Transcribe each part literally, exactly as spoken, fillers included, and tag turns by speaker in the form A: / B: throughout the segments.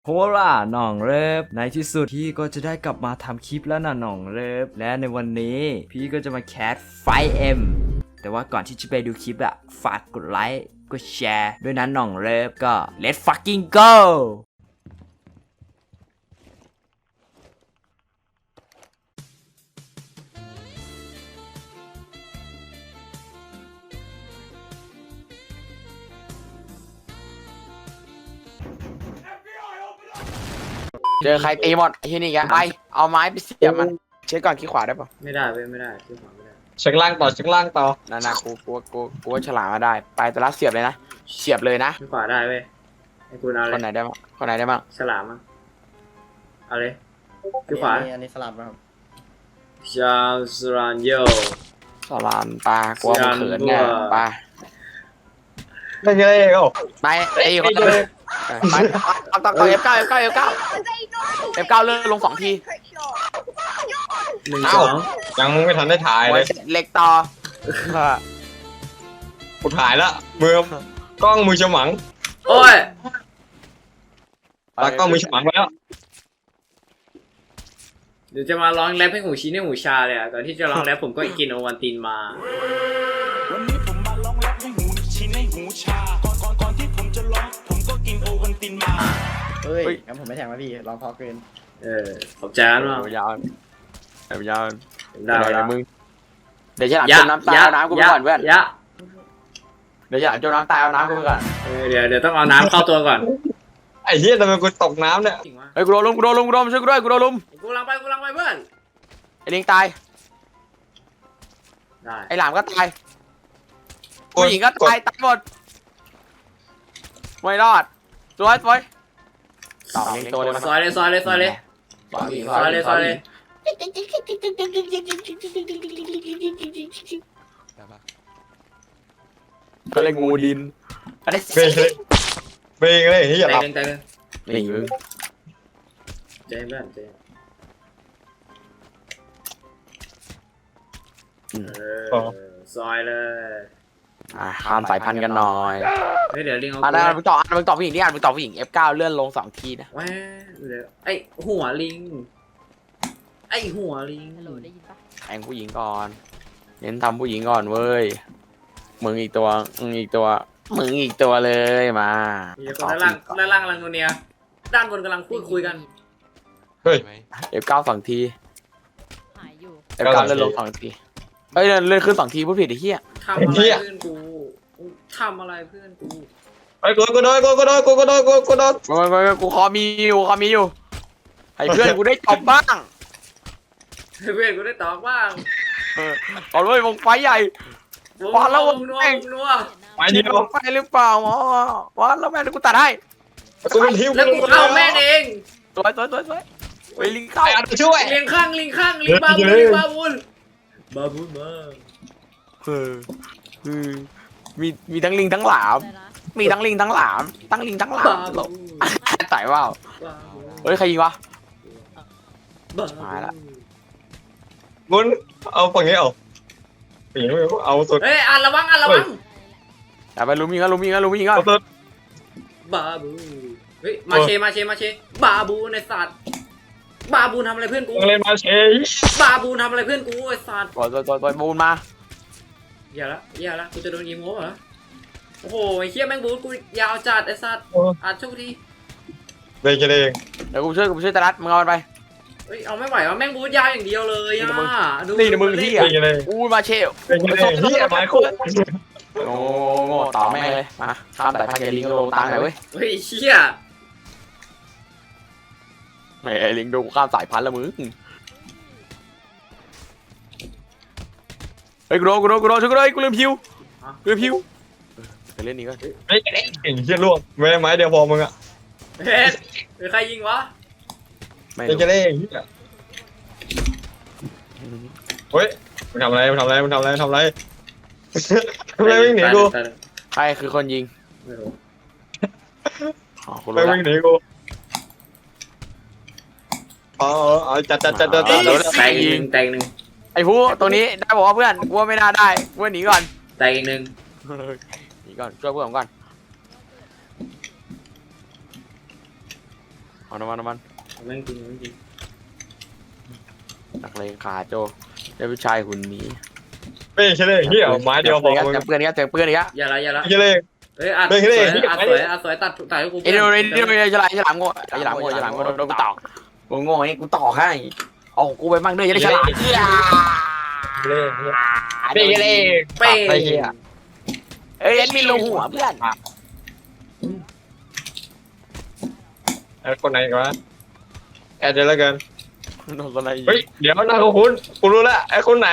A: โฮล่าหน่องเลิฟในที่สุดพี่ก็จะได้กลับมาทำคลิปแล้วนะหน่องเลิฟและในวันนี้พี่ก็จะมาแคสไฟเอ็มแต่ว่าก่อนที่จะไปดูคลิปอะฝากกดไลค์กดแชร์ด้วยนะหน่องเลิฟก็ let's fucking go
B: เจอใครตีหมดไอ้ที่นี่แกไปเอาไม้ไปเสียบมันเช็คก่อนขี้ขวาได้ปะ
C: ไม่ได้เว้ยไม่ได้ที่ขวาไม่ได้
D: เช็คล่างต่อเช็คล่างต่อ
B: นานากูกูกูกูว่าฉลามมาได้ไปแต่ละเสียบเลยนะเสียบเลยนะ
C: ที่ขวาได้เว้ยไอ้คุณเอา
B: ค
C: เล
B: น
C: ย
B: ไหนได้บ้างคนไหนได้บ้าง
C: ฉลามมั้งเอาเลยที่ขวา
E: อันนี้สลับนะครับ
C: ชาวสรานโย
B: ฉลามปลากูว่ามันเขินแน่ปลา
D: ไม่ใช่เอ้า
B: ไปไอ้คนละไปเอาต่อต่อเอฟเก้าเอฟเก้าเอฟเก้าเอฟเก้าเลื่อนลงสองที
C: หนึ่ง
D: เอ้า
C: สอง
D: ยังไม่ทันได้ถ่ายเลย
B: เล็กต่อ
D: กูถ่ายละมือกล้องมือฉมัง
C: โอ้ย
D: ตากล้องมือฉมังไปแล้ว
C: เดี๋ยวจะมาร้องแรปให้หูชี้ให้หูชาเลยอ่ะก่อนที่จะร้องแรปผมก็กินโอวันตินมา
F: วันนี้ผมมาร้องแรปให้หูชินให้หูชา ก่อนก่อนก่อนที่ผมจะร้องผมก็กินโอวันตินมา
E: เฮ้ยงั้นผมไม่แทงแล้วพี่ลองพอเกิน
C: เออขอบใจมาก
B: ยาวยาว
C: ได้
B: ได้
C: แล้ว
B: มึงเดี๋ยวฉลาม
C: ยะ
B: จมน้ำตาย
C: ยะ
B: เอาน้ำกูไป
C: ยะ
B: ก่อนเพื่อน
C: ยะ
B: เดี๋ยวฉลามจมน้ำตายเอาน้ำกูไปก่อน
C: เออเดี๋ยวเดี๋ยวต้องเอาน้ำเข้าตัวก่อน
D: ไอ้เหี้ยทำไมกูตกน้ำเนี่ย
C: จริงวะ
B: เฮ้ยกูโดนลุมกูโดนลุมกูโดนลุมช่วยกูด้วยกูโดนลุม
C: กูกำลังไปกูกำลังไปเพื่อน
B: ไอ้ลิงตาย
C: ได้
B: ไอ้หลามก็ตายผู้หญิงก็ตายตายหมดไม่รอดสวยสวยต่อเลี้ยงตัวเลยมัน
C: ซอยเลยซอยเลยซอยเลยซอยเลยซอยเลย
B: ก็เลยงูดินอันนี้
D: เบรกเลยเบรกเลยเฮีย
C: ใจ
D: หลับ
C: เย็นใจเย็น
B: นี่มึง
C: ใจเย็นเพื่อนใจเย็นเออซอยเลย
B: อ่าข้ามสายพันธุ์กันหน่อย
C: เฮ้ยเดี๋ยวลิงเอา
B: อ่ะได้มึงต่ออ่ะมึงต่อผู้หญิงนี่อ่ะมึงต่อผู้หญิง เอฟ เก้า เลื่อนลงสองทีนะ
C: แว้เดี๋ยวไอหัวลิง ไอหัวลิง
E: ฮัลโหลได้ยินปะ
B: แทงผู้หญิงก่อนเน้นทำผู้หญิงก่อนเว้ยมึงอีกตัวมึงอีกตัวมึงอีกตัวเลยมา
C: มีคนด้านล่างด้านล่างกำลังโนเนียด้านบนกำลังพูดคุยกัน
D: เฮ้ย
B: เอฟ เก้า สองที
E: หายอยู่
B: เอฟ เก้า เลื่อนลงสองทีเอ้ยเลื่อนขึ้นสองทีพูดผิดไอ้เหี้ย
C: ทำอะไรเพื่อนกูทำอะไรเพื่อนกู
D: ไอ้กูกูโดนกูกูโดนกูกูโดนกูกูโดน
B: กูกูกูคอมีอยู่คอมีอยู่ให้เพื่อนกูได้ตบบ้าง
C: เพื่อนกูได้ตอบบ้าง
B: เออเอาเลยวงไฟใหญ่ พอแล้ววง
C: นัว
B: แม่ง
C: นัว
D: ไปเดียว
B: วงไฟหรือเปล่าอ๋อวะแล้วแม่กูตัดให้
D: กูเป็นทิว
C: แล้วกูเข้าแม่เอง
B: สวยสวยสวยสวยไปลิงเข้า
D: ไอ้อันช่วย
C: ลิงข้างลิงข้างลิงบาบุลลิงบาบุลบาบุลมา
B: เออคือมีมีทั้งลิงทั้งหลาม
E: ได้นะ
B: มีทั้งลิงทั้งหลามทั้งลิงทั้งหลา
C: บาม บุล
B: ใส่ว่า
C: บาบุล
B: เฮ้ยใครยิงวะ
C: บา
B: หายละ
D: มุนเอาฝั่งนี้เอาฝั่งนี้เอาสุด
C: เฮ้ยอ่านระวังอ่านระวัง
B: อย่าไปลุมยิงกันลุมยิงกันลุมยิงกัน
D: เอาสุด
C: บาบูเฮ้ยมาเชมาเชมาเชบาบูในสัตว์บาบูทำอะไรเพื่อนกู
D: มึงเล่นมาเชย
C: บาบูทำอะไรเพื่อนกูไอ้สัตว์
B: ต่อยต่อยต่อยต่อยบูนมา
C: อย่าละอย่าละกูจะโดนยิงโม้เหรอโอ้โหไอ้เหี้ยแม่งบูกูยาวจัดไอ้สัตว์อ่ะโชคดี
D: เบรกกันเอง
B: เดี๋ยวกูช่วยกูช่วยตะรัดมึงเอามันไป
C: เฮ้ยเอาไม่ไหวว่ะแม่งบูยาวอย่างเดียวเลยอ่ะ
B: นี่นะมึงนี่
D: เบรกกันเอง
B: อู้มาเชล
D: เบรกกันเองเฮียไม้คู่
B: โง่โง่ต่อแม่งเลยมาข้ามสายพันธุ์กับลิงโลตังหน่อยเว้ย
C: เฮ้ยเชี่ย
B: แหมลิงดูข้ามสายพันธุ์แล้วมึงเฮ้ยกูโดนกูโดนกูโดนช่วยกูด้วยกูลืมพิวลืมพิวไปเล่นนี้ก่อน
D: เฮ้ยเก่งเฮียล่วงไม่ได้ไม้เดียวพอมึงอ่ะ
C: เฮ้ยเฮ้ยใครยิงวะ
B: ไม่
D: เบรกกันเองเฮียเฮ้ยมึงทำอะไรมึงทำอะไรมึงทำอะไรมึงทำอะไรทำอะไรวิ่งหนีกู
B: ใครคือคนยิง
C: ไม่รู้
B: อ๋อกู
D: ไป
B: รู้ละ
D: วิ่งหนีกูอ๋ออ๋อจัดจัดจัดจัด
C: แต
D: จัด
C: งแตงหนึ่งแตงหนึ่ง
B: ไอ้ผู้ตรงนี้ได้บอกว่าเพื่อนกูว่าไม่น่าได้กูว่าหนีก่อน
C: แตงอีกหนึ่ง
B: หนีก่อนช่วยเพื่อนผมก่อนเอาน้ำมันน้ำมัน
C: แม่งจริงแม่งจริง
B: นักเลงขาโจเจ้าผู้ชายหุ่นนี้
D: ไม่ใช่เลยเหี้ยไม้เดียวพอ
B: เจอเพื่อนนี้เจอเพื่อนนี้
C: อย่าละอย่าละ
D: ไม่ใช่เลย
C: เฮ้ยอัด
D: เฮ้
C: ส
D: ย
C: วย
D: เฮ้ย
C: อัด
D: เฮ้
C: ส
D: ย
C: วยอัดสวยตัดถ่ายให้กู
B: ไอ้เดี๋ยวเดี๋ยวเดี๋ยวฉลามฉลามโง่ฉลามโง่ฉลามโง่โดนกูตอกกูโง่นี่กูตอกให้เอากูไปมั่งด้วยจะได้ฉลามเหี้ย
D: เล่เล่เล่
C: เป้
D: ไอ้เหี้ย
B: เอ้ยเอ็นมีรูหัวเพื่อน
D: ไอ้คนไหนกันวะแอดเจอแล้วกัน
B: โดนอะไร
D: เฮ้ยเดี๋ยวหน้าคุ้นกูรู้ละไอ้คนไหน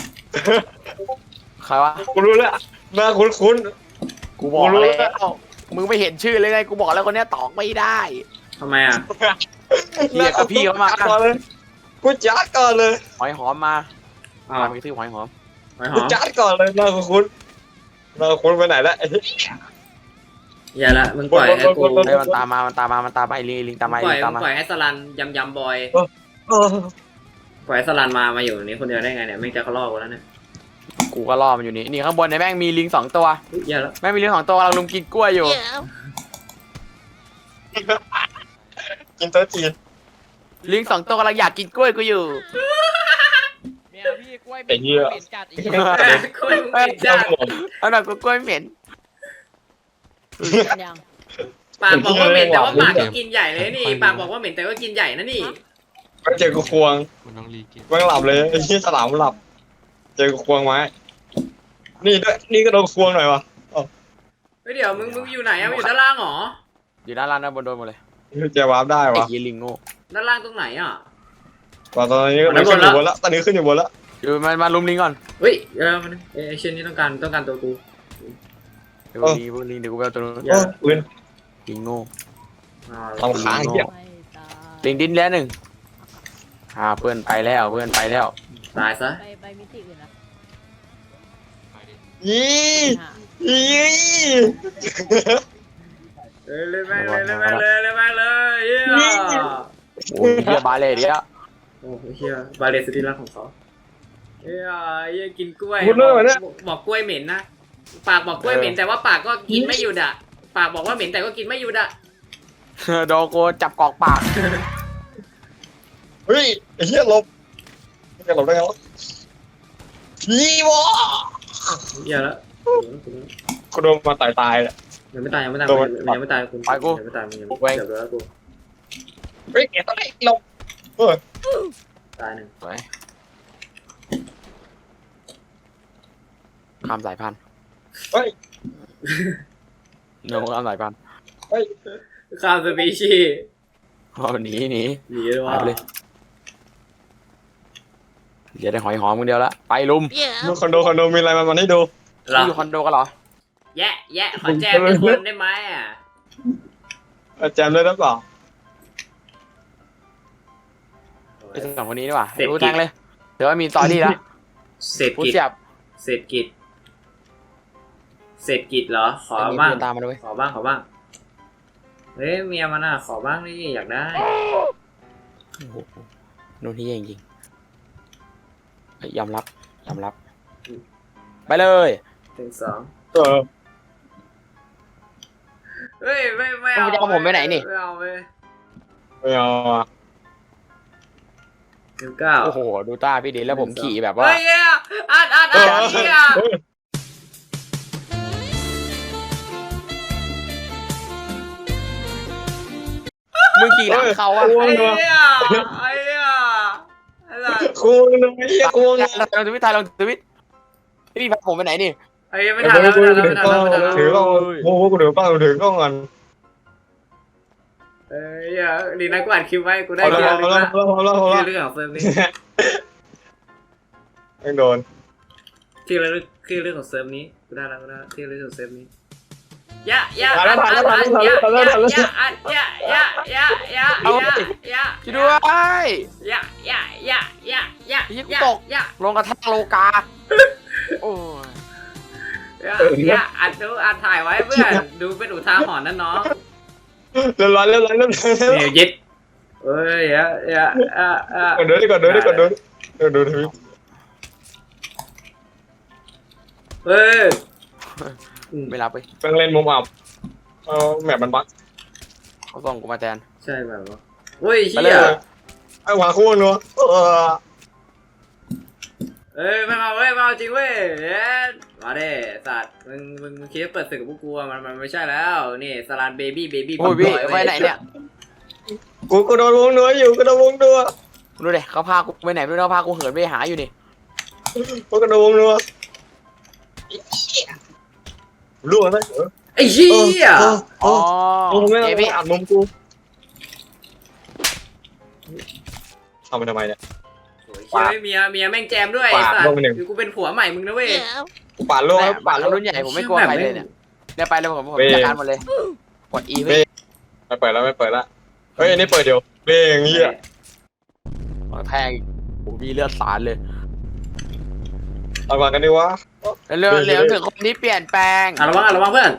B: ใครวะ
D: กูรู้ละหน้าคุ้นคุ้น
B: กูบอกแล้วมึงไม่เห็นชื่อเลยไงกูบอกแล้วคนนี้ตอกไม่ได้
C: ทำไมอ่ะ
B: เฮียกับพี่เขามา
D: ก่อนเลยกูจัดก่อนเลย
B: หอยหอมมา
C: อ้าว
B: มามีซื้อหอยหอม
C: หอยห
D: กู
C: อม
D: จัดก่อนเลยหน้าคุ้นหน้าคุ้นไปไหนละ
C: อย่าละมึงปล่อยให้กู
B: เฮ้ยมันตามมามันตามมามันตามมาไอ้ลิงลิงตามมา
C: ปล่อย
B: ลิงตาม
C: มึง
B: มา
C: ปล่อยให้สลันยำยำบอย
D: เออ
C: ปล่อยให้สลันมามาอยู่ตรงนี้คนเดียวได้ไงเนี่ยไม่งจะเขาล่อกูแล้วเนี่ย
B: กูก็ล่อมันอยู่นี่นี่ข้างบนเนี่ยแม่งมีลิงสองตัว
C: เฮ้ยอย่าละ
B: แม่งมีลิงสองตัวเราลุมกินกล้วยอยู่
D: กินโต๊ะจีน
B: ลิงสองตัวกำลังอยากกินกล้วยกูอยู่
E: แมวพี่กล้วย
D: ไอ้เหี้ย
E: เหม็นจัดอีก
C: เอ้ยคุยมึงเป็นจ้า
B: เอาหน่อยกูกล้วยเหม็น
E: ยัง
C: ปากบอกว่าเหม็นแต่ว่าปากก็กินใหญ่เลยนี่ปากบอกว่าเหม็นแต่ก็กินใหญ่นะนี่
D: ก็เจอกูควง
G: คุณน้องลีกิน
D: มันหลับเลยไอ้ที่ฉลามหลับ เจอกูควงไม้นี่ด้วยนี่ก็โดนควงหน่อยวะ
C: เฮ้ยเดี๋ยวมึงมึงอยู่ไหนอะมึงอยู่ด้านล่างเหรอ
B: อยู่ด้านล่างด้านบนโดนหมดเลย
D: เจอวาร์ปได้
B: ไอ้
D: วะ
B: เหี้ยลิงโง่
C: ด้านล่างตรงไหนอ่ะ
D: ตอนนี้ก็ขึ้นอยู่บนละตอนนี้ขึ้นอยู่บนละ
B: อยู่มามาลุมลิงก่อน
C: เฮ้ยเออมันเอ้ยไอ้เช่นนี้ต้องการต้องการตัวกู
B: เดี๋ยวลิงพวกลิงเดี๋ยวกูไปเอาตัวนู้น
C: อย่า
D: ปืน
B: ลิงโง่
C: อ่า
D: ลำค้างเหี้ย
E: ไม่ตาย
B: ลิงดิ้นแล้วหนึ่งอ่าเพื่อนไปแล้วเพื่อนไปแล้ว
C: ตายซะ
E: ไปไปมิติอื่นนะ
G: ไปดิ
D: ยี่
E: หา
D: ยี่
C: เอ้ยเลยแม่งเลยเลยแม่งเลยเลยแม่งเลยเฮีย
B: โอ้ยเฮียบาเลยเดียว
C: โอ้เฮียบาเลสติลักของเขาเฮียเฮียกินกล้วย
D: พูดเรื่องอะไรเนี่ย
C: บอกกล้วยเหม็นนะปากบอกกล้วยเหม็นแต่ว่าปากก็กินไม่หยุดอ่ะปากบอกว่าเหม็นแต่ก็กินไม่หยุดอ่ะ
B: โดนกูจับกอกปาก
D: เฮ้ยไอ้เหี้ยหลบจะหลบได้ไงวะยี่วะ
C: เฮียแล้ว
D: กูโดนมาตายตายเลย
C: ยังไม่ตายยังไม่ตาย
D: โดน
C: ยังไม่ตายคุณยังไม่ตายมึงยังไม่เดี๋ยวแล้วกู
D: เฮ้ยแกต้องได้หลบเออ
C: ตายหนึ่ง
B: ไปข้ามสายพันธุ์
D: เฮ้ย
B: โน้ข้ามสายพันธุ์
D: เฮ้ย
C: ข้ามสปีชีส์
B: เอาหนีหนี
C: หนีเลย
B: หา
C: ว่ะ
B: ยไปเลยเดี๋ยวได้หอยหอมคนเดียวละไปลุม
D: ดูคอนโดคอนโดมีอะไรมามันให้ดู
C: เหรอ
B: อยู่คอนโดกันเหรอ
C: แยะแยะขอแจมเป็นคนได้ไหมอ่ะ
D: เอาแจมเลยหรือเปล่า
B: ไอ้สองคนนี้ดีกว่ารู้แทงเลยเดี๋ยวว่ามีตอรี่แล้ว
C: เศรษฐ
B: พูด
C: กิจ
B: เสียบ
C: เศรษฐกิจเศรษฐกิจเหรอขอ
B: มี
C: บ้าง
B: เพื่อนตามมาด้วย
C: ขอบ้างขอบ้างเฮ้ยเมียมันอ่ะขอบ้างนี่อยากได้
B: โอ้โหนู่นที่จริงๆเฮ้ยยอมรับยอมรับ ไปเลย
C: ถึงสอง
D: เออ
C: เฮ้ยไม่ไม่เอา
B: มึงจะเอาผมไปไหนนี่
C: ไม่เอาไป
D: ไม่เอาอ่ะ
C: ถึงเก้า
B: โอ้โหดูตาพี่ดิแล้วผมขี่แบบว่า
C: เฮ้ยอ่ะอัดอัดอัดเฮีย
B: มึงขี่หลังเขาอะ
C: ไอ้เหี้ยไอ้เหี้ยไอ้สัส
D: ควงเลยไอ้เหี้ยควง
B: ลองทวิตถ่ายลองทวิตพี่พาผมไปไหนนี่
C: ไอ้เหี้ยไม่ทันแล้วไม่ทันแล้วไม่ทันแล้วไม่ทันแล้ว
D: ถือกล้องโอ้โหกูถือกล้องถือกล้องก่อน
C: เอ้ยเหี้ยดีนะกูอัดคลิปไว้กูได้
D: เอา
C: เรื่อง
D: แล้ว
C: นึง
D: เอาแล้ว
C: ละ
D: เอาแล้วเอาแล้ว
C: ชื่อเรื่องของเฟิร์มนี้
D: ไม่โดน
C: ชื่อเรื่องชื่อเรื่องของเซิร์ฟนี้กูได้แล้วกูได้แล้วชื่อเรื่องของเซิร์ฟนี้ยะยะ
D: ผ่านแล้วผ่านแล้วผ่านแล้ว
C: ยะ
D: ผ่านแล้วผ่านแล้ว
C: ยะอัดยะยะยะยะยะยะ
B: ช่วยด้วย
C: ยะยะยะยะยะ
B: ไอ้เหี้ยกู
C: ยะ
B: ตก
C: ยะ
B: ลงกระแทกโลกาโอ้ย
C: ยะยะอัดดูอัดถ่ายไว้เพื่อนดูเป็นอุทาหรณ์นะน้อง
D: เรียบร้อยเรียบร้อยเรียบร้อย
C: เนี่ยยึดเอ้ยยะยะอ่ะอ่ะ
D: กดดูดิกดดูดิกดดูดิกดดูทวิต
C: เฮ้ย
B: ไม่รับไป
D: เพิ่งเล่นมุมอับเอาแมปมันบั๊ก
B: เขาส่งกูมาแทน
C: ฉใช่แบบว่าเฮ้ย
B: ไป
C: เชี่
B: เลย ย
D: ไอ้หวาคู่นัวเออ
C: เอ้ยไม่เอาเว้ยไม่เอาจริงเว้ยเอ๊ะมาเด้สัตว์มึงมึงมึงคิดว่าเปิดศึกกับพวกกูอะมันมันไม่ใช่แล้วนี่สลันเบบี้เบบี้
B: โอ้ยพี่ไปไหนเนี่ย
D: กูกูโดนวงนัวอยู่กูโดนวงนัว
B: ดูดิเขาพากูไปไหนไม่รู้เขาพากูเหินไปหาอยู่นี่
D: กูโดนวงนัวรู้ไหมเออ
C: ไอ้เหี้ย
D: เออเอ
B: อ๋อ
D: อมึงไม่
B: เอ้ย
D: ต้อ
B: พี่
D: งอัดมุมกูทำไปทำไมเนี่ย
C: โอ้ยเชี่ยเมียเมียแม่งแจมด้วย
D: ปาด
C: สัต
D: ล
C: ว์
D: งไปหนึ่ง
C: คือกูเป็นผัวใหม่มึงนะเว้ย
D: กูปาดโลก
B: แม่
D: แล้ว
B: บ้า
D: ปาน ดโลก
B: รุ่นใหญ่ผมไม่กลัวใครเลยเนี่ยเนี่ยไปเลยผมผม
D: เว้ย
B: จัดการหมดเลยกด E เว้ย
D: ไม่เปิดแล้วไม่เปิดแล้วเฮ้ยอันนี้เปิดเดี๋ยวเร่งเงี้ย
B: แทงโอ้มีเลือดสาดเลย
D: เอาก่อนกันดีวะ
B: เรื่องเหลืองถึงคนที่เปลี่ยนแปลง
C: อ่ะระวังอ่ะระวังเพื่อน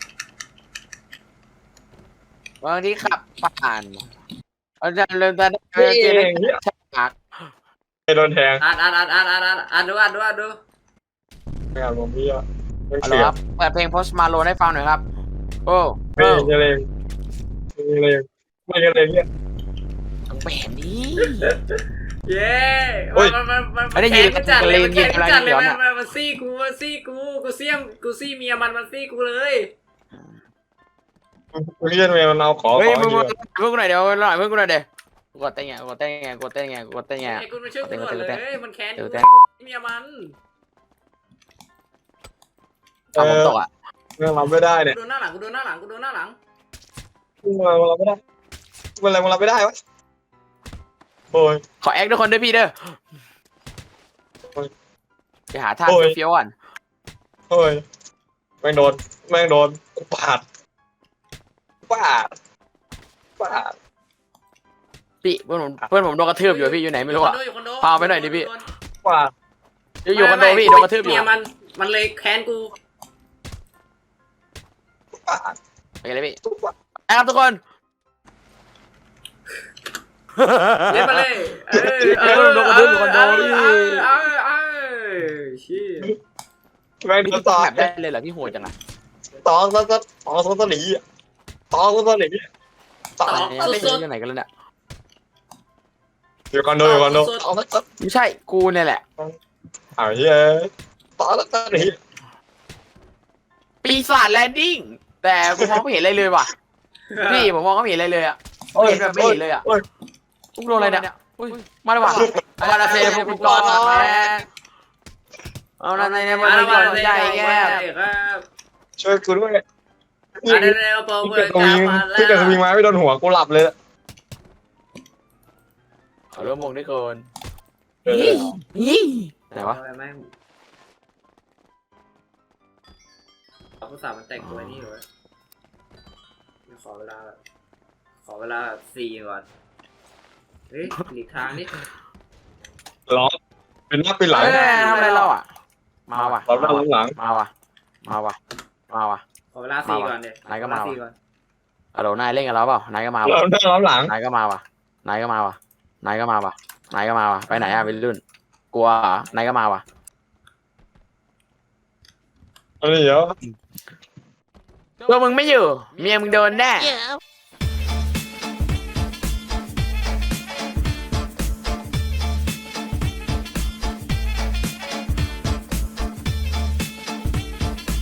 B: บางทีขับผ่านอาจารย์เริ่มจะได้
D: เร่
B: เจอได้
D: งเงี้ย
B: ฉาก
D: ไอ้โดนแทง
C: อ่านอ่านอ่านอ่านอ่านอ่านอ่านดูอ่านดูอ่านดู
D: ไม่เอาผมพี่อ่ะไม่
B: เอา
D: เสี
B: ละ
D: ย
B: ครับเปิดเพลง Post Malone ให้ฟังหน่อยครับ โอ้
D: เร่
B: โอ้
D: งเร่งเร่งไม่กันเลยเนี่ย
B: ต้องแบบนี้
C: เย้
D: เฮ้ย
C: มันมันมัน
B: ไม่ได้ยิน
C: แค้นจัดเลยมัน
B: ยิ
C: แค้
B: น
C: นจัดเลย
B: อะไร
C: มัน
B: ย้อนอะ
C: มันมันซี่กูมันซี่กูกูเสี่ยมกูซี่เมียมันมันซี่กูเลย
D: มึงเรียนเมย์มันเอาขอ
B: เฮ้ย
D: ขอ
B: มึง
D: ดี
B: มึง
D: กว่า
B: เพิ่งกูหน่อยเดี๋ยวหน่อยเพิ่งกูหน่อยเดี๋ยวกดเต้นไงกดเต้นไงกดเต้นไงกดเต้นไง
C: ไอ้กูมาช่วยกูก่อนเลยมันแค้น
B: เดี๋
C: กู
B: ยวแต่
C: เมียมัน
B: ทำผมตกอ่ะ
D: เรื่องเราไม่ได้
C: กู
D: เนี่ย
C: โดนหน้าหลังกูโดนหน้าหลังกูโดนหน้าหลัง
D: เรื่องเราเราไม่ได้เรื่องอะไรเราไม่ได้วะโอ้ย
B: ขอแอคทุกคนด้วยพี่เด้อ
D: โอ้ย
B: ไปหาท่า
D: โอ้ย
B: เฟี้ยวๆก่อน
D: โอ้ยแม่งโดนแม่งโดนกูปาดปาดปาด
B: พี่เพื่อนผมเพื่อนผมโดนกระทืบอยู่พี่อยู่ไหนไม่รู้อ่ะ
C: ยู่คอนโด
B: พาไปหน่อยดิพี่
D: ปาด
B: อยู่อยู่คอนโดพี่โดนกระทืบอยู่
C: เมียมันมันเลยแค้นกู
D: ปาด
B: ไปกันเลยพี่
D: ทุกวัน
B: ไปครับทุกคน
C: เล่นมาเลยเออ
B: เออโดนกระทืบอยู่คอนโดพี่
C: เออเออเออชี้
D: แม่ง
B: พี่
D: โด
B: ติ
D: น
B: ด
D: ต่อ
B: แบบได้เลยเหรอพี่โหดจังอ่ะ
D: ตองตองตองตองตองตองหนีตองตองตองหนีตอง
B: เนี่ยเล่นอยู่ไหนกันแล้วเนี่ย
D: อยู่คอนโดอยู่คอนโดตองตอง
B: ไม่ใช่กูเนี่ยแหละ
D: อ้าวเฮ้ยตองตองตองหนี
B: ปีศาจแลนดิ้งแต่กูมองไม่เห็นอะไรเลยว่ะพี่ผมมองก็ไม่เห็นอะไรเลยอ่ะไม่เห็นแบบไม่เห็นเลยอ่ะ
D: โอ้ย
B: พวกโดนอะไรเนี่ยอุ้ยมาเลยว่ะมาละเซฟพวกก่อนแม่เอาละในเนี่ยมัน
C: มา
B: ไม่
C: แล้ว
B: ก่
C: มา
B: อน
C: แล้ว
B: ใหญ่แก
C: ครับ
D: ช่วยกูด้วย
C: อันนี้เราเปิด
D: ที่
C: เปิ
D: เกิ
C: ด
D: ดส
C: จ้า
D: วิง
C: มาแล้ว
D: ที่เกิดสวิงไม้ไม่โดนหัวกูหลับเลย
B: เอาเริ่มมองด้วยคน
D: เออ
B: ไหนวะ
C: แม่งเอาภาษามันแต่งตัวนี่เหรอขอเวลาขอเวลาสี่ก่อนเฮ้ยหลีกทางนี่
D: ร้องเป็นหน้าเป็นหลัง
B: เอ้ยทำอะไรเราอ่ะมาว่ะ
D: เราหน้าหลัง
B: มาว่ะมาว่ะมาว่ะ
C: ขอเวลาสี่ก่อนเดี๋ยว
B: ไหนก็มา
C: สี่ก่อน
B: อะโหลนายเล่นกับเราเปล่านายก็มา
D: เรา
B: ว่ะ
D: หน้าเราหลัง
B: นายก็มาว่ะนายก็มาว่ะนายก็มาว่ะนายก็มาว่ะไปไหนอ่ะวัยรุ่นกลัวเหรอนายก็มาว่ะ
D: อันนี้เดี๋ยว
B: ตัวมึงไม่อยู่เมียมึงโดนแน่
E: Yeah.